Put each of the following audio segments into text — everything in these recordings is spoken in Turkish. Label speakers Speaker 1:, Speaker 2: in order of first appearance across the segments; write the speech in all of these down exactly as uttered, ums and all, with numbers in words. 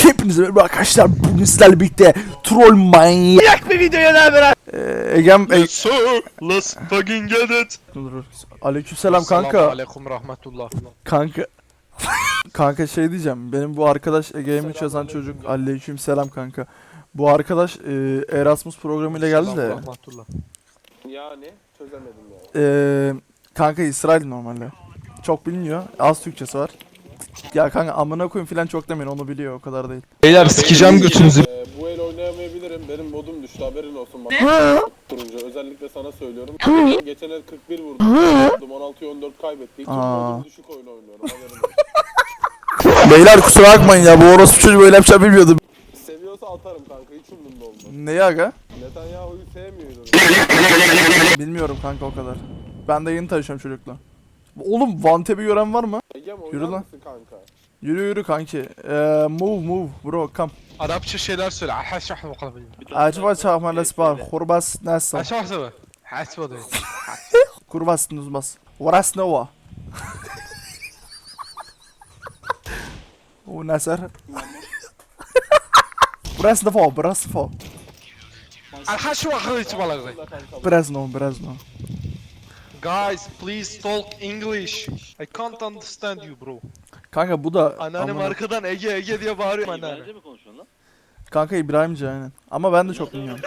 Speaker 1: Hepinize merhaba arkadaşlar, bugün sizlerle birlikte troll manyak bir videoya daha beraber. Ee, Egem e
Speaker 2: So let's fucking get it.
Speaker 1: Dur dur. Aleykümselam kanka.
Speaker 2: Aleyküm rahmetullah.
Speaker 1: Kanka. Kanka şey diyeceğim. Benim bu arkadaş Ege'mi yazan çocuk. Aleykümselam kanka. Bu arkadaş e, Erasmus programıyla geldi de.
Speaker 2: Rahmetullah.
Speaker 3: Yani çözemedim yani.
Speaker 1: E, kanka İsrail normalde. Çok bilmiyor. Az Türkçesi var. Ya kanka amına koyayım filan çok demeyin, onu biliyor, o kadar değil.
Speaker 2: Beyler sikeceğim götünüzü.
Speaker 3: Ee, bu el oynayamayabilirim. Benim modum düştü, haberin olsun bak. Turuncu özellikle sana söylüyorum. Geçen el kırk bir vurdum. on altıya on dört kaybettik. Çok
Speaker 1: Aa.
Speaker 3: modum düşük oyun oynuyorum. Haberin olsun.
Speaker 1: Beyler kusura bakmayın ya, bu orospu çocuğu böyle yapacağını bilmiyordum.
Speaker 3: Seviyorsa atarım kanka, hiç umurumda olmaz.
Speaker 1: Neyi aga?
Speaker 3: Netanyahu'yu sevmiyorum.
Speaker 1: Bilmiyorum kanka o kadar. Ben de yeni tanışıyorum çocukla. Oğlum Vantep'i gören var mı?
Speaker 3: Egem
Speaker 1: Yürü
Speaker 3: oynar
Speaker 1: lan.
Speaker 3: mısın kanka?
Speaker 1: Yürü yürü kanki. Eee move move bro come.
Speaker 2: Arapça şeyler söyle. Haşah bakalım.
Speaker 1: Acaba çağırma lesbar. Kurbas nasıl?
Speaker 2: Haşah söyle. Hasba de.
Speaker 1: Kurbas nuzbas. Varas nova. O nasır. Biraz nova, biraz nova.
Speaker 2: Haşah bakalım hiç balığı.
Speaker 1: Biraz nova, biraz nova.
Speaker 2: Guys, please talk English. I can't understand you bro.
Speaker 1: Kanka bu da
Speaker 2: Anneannem
Speaker 1: amına-
Speaker 2: arkadan Ege Ege diye bağırıyor anneanne.
Speaker 4: İbranice mi konuşuyorsun lan?
Speaker 1: Kanka İbrahimce aynen. Ama ben de çok bilmiyorum.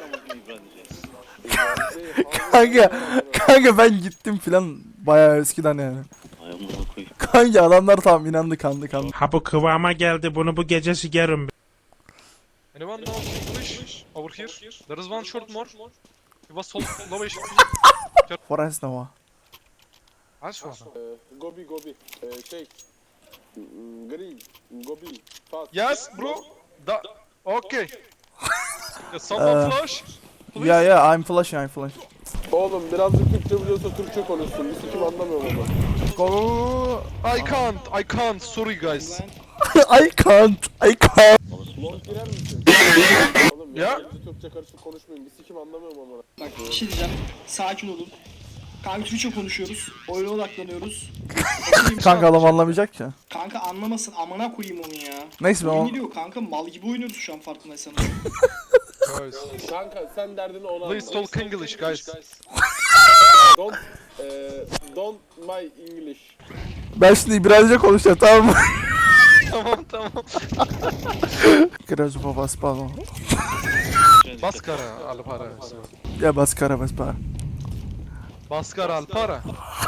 Speaker 4: İbranice.
Speaker 1: Kanka, kanka ben gittim filan bayağı eskiden yani.
Speaker 4: Ay amına koyayım.
Speaker 1: Kanka adamlar tam inandı, kandı kandı.
Speaker 5: Ha bu kıvama geldi, bunu bu gece sigerim.
Speaker 2: Anyone know English? Over here. There is one short more. It was sold low
Speaker 1: Varas nova.
Speaker 2: Haşah.
Speaker 3: Ee, Gobi Gobi. Ee, şey. mm, Green. Gobi. Fast.
Speaker 2: Yes bro. Da okay. Someone flash.
Speaker 1: Ya ya I'm flashing, I'm flashing.
Speaker 3: Oğlum birazcık Türkçe biliyorsa Türkçe konuşsun. Bir sikim anlamıyorum ama.
Speaker 1: Go go go.
Speaker 2: I can't, I can't. Sorry guys.
Speaker 1: I can't, I can't.
Speaker 3: Long girer misin? Oğlum
Speaker 2: Ya.
Speaker 3: ya. Türkçe karışık konuşmayın. Bir sikim anlamıyorum ama.
Speaker 6: Bak bir şey diyeceğim. Sakin olun. Kanka Türkçe konuşuyoruz. Oyuna odaklanıyoruz.
Speaker 1: Kanka adam anlamayacak ki.
Speaker 6: Kanka anlamasın, amına koyayım onu ya.
Speaker 1: Neyse ben
Speaker 6: Oyun
Speaker 1: o...
Speaker 6: gidiyor kanka, mal gibi oynuyoruz şu an farkındaysanız.
Speaker 2: Guys.
Speaker 3: Kanka sen derdini ona
Speaker 2: Please
Speaker 3: anlat.
Speaker 2: talk English guys.
Speaker 3: Don't, eee, don't my English.
Speaker 1: Ben şimdi İbranice konuşacağım, tamam mı?
Speaker 2: Tamam tamam.
Speaker 1: Biraz baba spano.
Speaker 2: Baskara Alpara.
Speaker 1: Ya bas kara bas para.
Speaker 2: Baskara Alpara.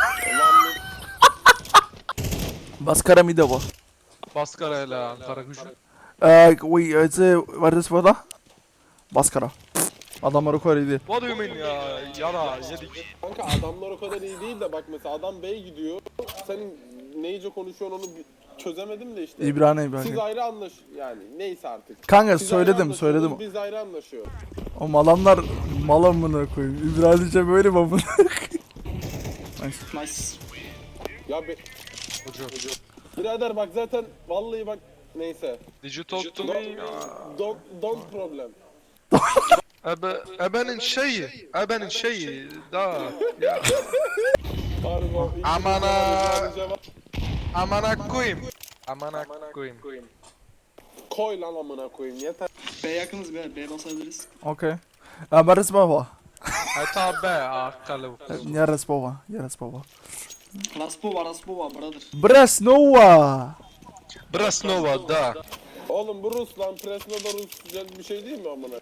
Speaker 1: Bas kara mide bu.
Speaker 2: Baskara ile Ankara gücü.
Speaker 1: Eee, wait, it's a... What is burada? Bas kara. Adamlar o kadar iyi değil.
Speaker 2: What do you mean ya? Yara yedik.
Speaker 3: Kanka adamlar o kadar iyi değil de bak mesela adam Bey gidiyor. Senin neyce konuşuyorsun onu bir çözemedim de işte.
Speaker 1: İbrani
Speaker 3: Siz
Speaker 1: İbrani.
Speaker 3: ayrı anlaş yani neyse artık.
Speaker 1: Kanka
Speaker 3: Siz ayrı
Speaker 1: söyledim
Speaker 3: anlaşıyorsunuz,
Speaker 1: söyledim.
Speaker 3: Biz ayrı anlaşıyoruz.
Speaker 1: O adamlar mal amına koyayım. İbranice böyle mi amına?
Speaker 6: Nice.
Speaker 3: Ya be...
Speaker 2: Hoca.
Speaker 3: Birader bak zaten vallahi bak neyse.
Speaker 2: Did you talk to me?
Speaker 3: Don't, don't problem.
Speaker 2: Ebe, ebenin şeyi. Ebenin şeyi. Da. Ya.
Speaker 3: Pardon.
Speaker 2: Aman ha.
Speaker 3: Cevap.
Speaker 2: Amana koyayım. Amana koyayım.
Speaker 3: Koy lan amına koyayım yeter.
Speaker 6: B yakınız be, B basabiliriz.
Speaker 1: Okej. Ja, men resmowa.
Speaker 2: Hatta be akalı.
Speaker 1: Nie resmowa, nie resmowa.
Speaker 6: Raspova, Raspova brother.
Speaker 1: Bresnowa!
Speaker 2: Brasnova da.
Speaker 3: Oğlum bu Rus lan Presno'da Rusça bir şey değil mi amına?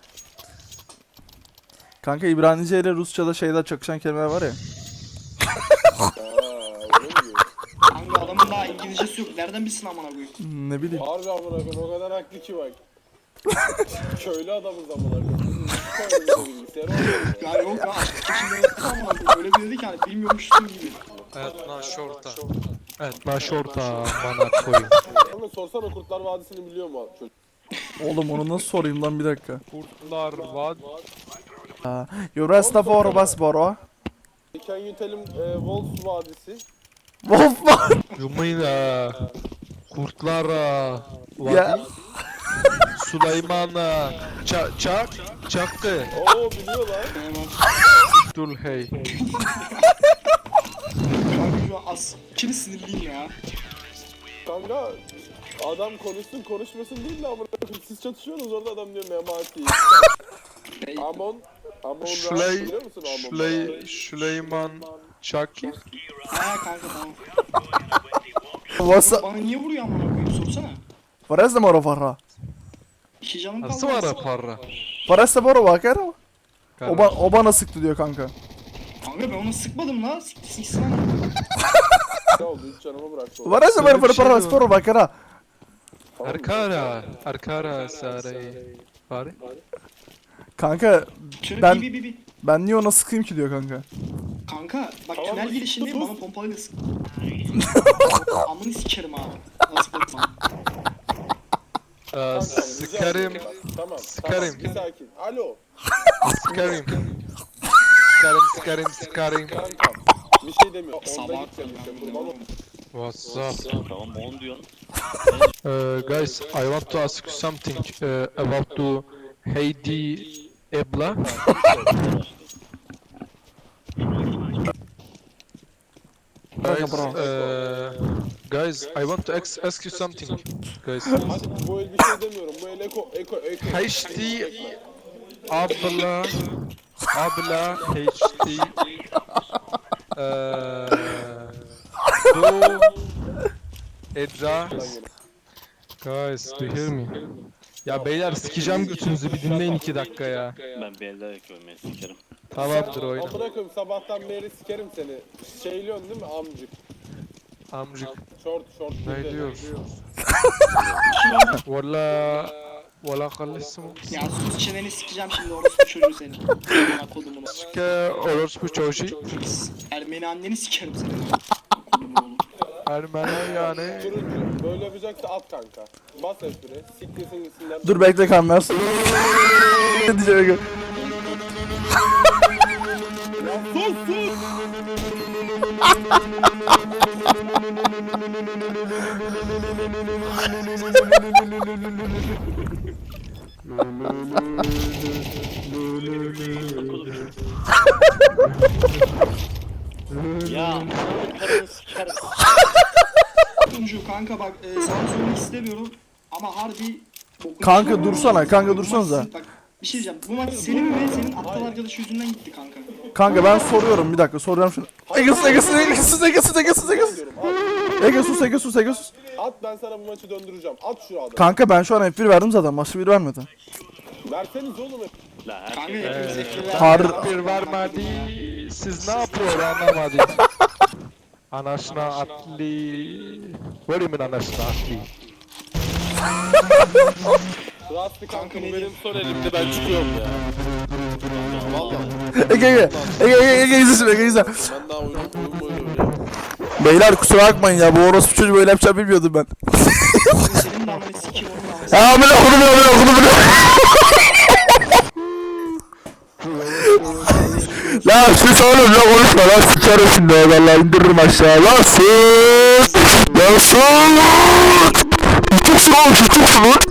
Speaker 1: Kanka İbranice ile Rusça'da şeyler çakışan kelimeler var ya.
Speaker 3: Aa öyle mi diyor?
Speaker 6: Kanka adamın daha İngilizcesi yok. Nereden bilsin amına koyayım?
Speaker 1: Hmm, Ne bileyim.
Speaker 3: Harbi amına koyayım o kadar haklı ki bak. Köylü adamız amına koyayım. Koyun bilgisayar olmuyor.
Speaker 6: Ya yok ya. Şimdi amına koyayım. Öyle bir dedi ki hani bilmiyormuşsun gibi.
Speaker 2: Evet na şorta. Evet na şorta bana koyayım.
Speaker 3: Ama sorsana Kurtlar Vadisi'ni biliyor mu çocuk?
Speaker 1: Oğlum onu nasıl sorayım lan, bir dakika.
Speaker 2: Kurtlar vad.
Speaker 1: Juresta for Basboro.
Speaker 3: Can you tell him e, Wolf Vadisi?
Speaker 1: Wolf var.
Speaker 2: Yumina. Kurtlara.
Speaker 1: Ya.
Speaker 2: Vadi. Süleyman'a. Çak. Çak. Çakkı.
Speaker 3: Oo biliyorlar.
Speaker 2: Dulhey.
Speaker 6: Kanka şu an az. Kimi sinirliyim ya.
Speaker 3: Kanka Adam konuşsun konuşmasın değil de amına koyayım. Siz çatışıyorsunuz orada adam diyor Memati. Amon. Amon
Speaker 2: Şuley,
Speaker 3: biliyor musun Amon?
Speaker 2: Şuley, Süleyman Çaki.
Speaker 6: Ha kanka tamam.
Speaker 1: What's
Speaker 6: Bana niye vuruyor amına koyayım sorsana.
Speaker 1: What is the moro farra?
Speaker 6: İki canım kaldı.
Speaker 2: Nasıl var ya para?
Speaker 1: What is the moro vakara? O, ba o bana sıktı diyor kanka.
Speaker 6: Kanka ben onu sıkmadım la. Siktir siksin ama.
Speaker 3: Ne oldu? Üç canımı bıraktı.
Speaker 1: What is the moro
Speaker 2: bir şey
Speaker 1: farra?
Speaker 2: mi var?
Speaker 1: Sporo vakara.
Speaker 2: Arkara, Arkara Saray. Bari.
Speaker 1: Kanka
Speaker 6: Şöyle
Speaker 1: Ben-
Speaker 6: bir bir bir bir.
Speaker 1: ben niye ona sıkayım ki diyor kanka.
Speaker 6: Kanka bak
Speaker 3: Tamam,
Speaker 6: tünel
Speaker 3: sus,
Speaker 6: girişindeyim
Speaker 3: sus.
Speaker 6: bana pompalıyla sık. Amını sikerim abi. Nasıl bakma.
Speaker 2: Ee, Sıkarım,
Speaker 3: Tamam.
Speaker 2: Sıkarım.
Speaker 3: Tamam, bir sakin. Alo.
Speaker 2: sıkarım. Sıkarım, sıkarım, sıkarım.
Speaker 3: Kankam. Bir şey demiyor. Onda
Speaker 6: Sabah
Speaker 3: gideceğim işte. Kurban ol.
Speaker 2: What's up?
Speaker 4: Tamam on diyorsun.
Speaker 2: Uh, guys, I want to ask you something uh, about the Heidi Ebla. Guys, uh, guys, I want to ask, ask you something, guys.
Speaker 3: Hadi bu el bir şey demiyorum. Bu el eko eko eko.
Speaker 2: Heidi Abla, Abla, Heidi. Uh, do Edra. Guys, do you hear me? Ya beyler sikeceğim götünüzü bir dinleyin iki dakika ya.
Speaker 4: Ben bir elde yakıyorum ben sikerim.
Speaker 2: Tamamdır oyna.
Speaker 3: Amına koyayım sabahtan beri sikerim seni. Şeyliyorsun değil mi amcık?
Speaker 2: Amcık.
Speaker 3: Short short.
Speaker 2: Ne
Speaker 3: dedi.
Speaker 2: diyorsun? Valla... Valla kalışsın.
Speaker 6: Ya sus çeneni sikeceğim şimdi orospu çocuğu seni. Amına kodumunu.
Speaker 2: Ke orospu çocuğu.
Speaker 6: Ermeni anneni sikerim seni. Kodumun oğlu.
Speaker 2: Ermeni yani.
Speaker 3: Turuncu. Böyle yapacaksa at kanka. Bas espri. Siktirsin gitsinler.
Speaker 1: Dur bekle kanmaz. Ne diyeceğim kanka?
Speaker 3: Sus sus.
Speaker 4: Ya karını sikerim.
Speaker 6: Turuncu kanka bak e, sana söylemek istemiyorum ama harbi bokunu
Speaker 1: Kanka
Speaker 6: çıkarma.
Speaker 1: dursana, kanka
Speaker 6: Bu
Speaker 1: dursanıza.
Speaker 6: maç- Bak bir şey diyeceğim. Bu maç senin ve senin aptal arkadaş yüzünden gitti kanka.
Speaker 1: Kanka ben soruyorum bir dakika soruyorum şunu. Egesus Egesus Egesus Egesus Egesus Egesus.
Speaker 3: Diyorum, at.
Speaker 1: Egesus Egesus Egesus.
Speaker 3: At ben sana bu maçı döndüreceğim. At şu adamı.
Speaker 1: Kanka ben şu an F bir verdim zaten. Maçı bir vermedi.
Speaker 3: Verseniz oğlum.
Speaker 4: La her
Speaker 6: Kanka
Speaker 4: şey.
Speaker 6: hepimiz ekliler.
Speaker 1: Har-
Speaker 2: Bir vermedi. Siz ne yapıyor anlamadım. Anasına atli. What do you mean anasına atli?
Speaker 3: Rastlı kanka
Speaker 6: Kanka
Speaker 3: bu
Speaker 6: ne
Speaker 3: benim son elimde ben çıkıyorum ya. Vallahi
Speaker 1: Ege Ege. Ege Ege Ege izlesin Ege izle.
Speaker 3: ben daha oyunu oyunu oynuyorum ya.
Speaker 1: Beyler kusura bakmayın ya bu orospu çocuğu böyle yapacağını bilmiyordum ben.
Speaker 6: Senin de amına sikeyim onun da amına.
Speaker 1: Ya amına okudum ya okudum bunu. La sus oğlum ya konuşma lan sikerim şimdi valla indiririm aşağı lan sus. Lan sus. Tutuksun oğlum tutuksun lan.